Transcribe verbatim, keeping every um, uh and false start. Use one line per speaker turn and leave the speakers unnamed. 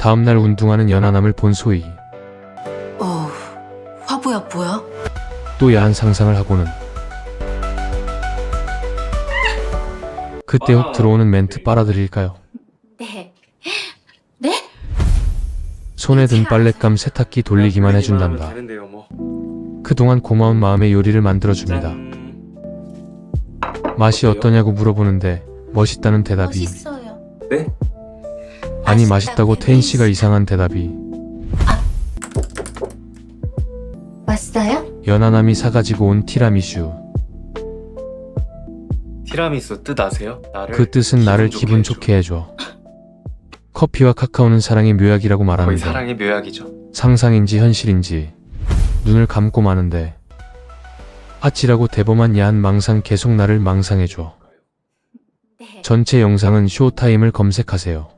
다음날 운동하는 연하남을 본 소희.
어, 화보야 뭐야?
또 야한 상상을 하고는 그때 혹 들어오는 멘트 빨아들일까요?
네. 네?
손에 든 빨랫감 세탁기 돌리기만 해준단다.
되는데요, 뭐.
그동안 고마운 마음에 요리를 만들어줍니다.
짠.
맛이 어떠냐고 물어보는데 멋있다는 대답이,
멋있어요.
네?
아니 맛있다고 태인 씨가 이상한 대답이.
왔어요?
연하남이 사가지고 온 티라미슈.
티라미수 뜻 아세요? 나를
그 뜻은 나를 기분
해줘.
좋게 해줘. 커피와 카카오는 사랑의 묘약이라고
거의
말하는데
사랑의 묘약이죠.
상상인지 현실인지 눈을 감고 마는데 아찔하고 대범한 야한 망상 계속 나를 망상해줘.
네.
전체 영상은 쇼타임을 검색하세요.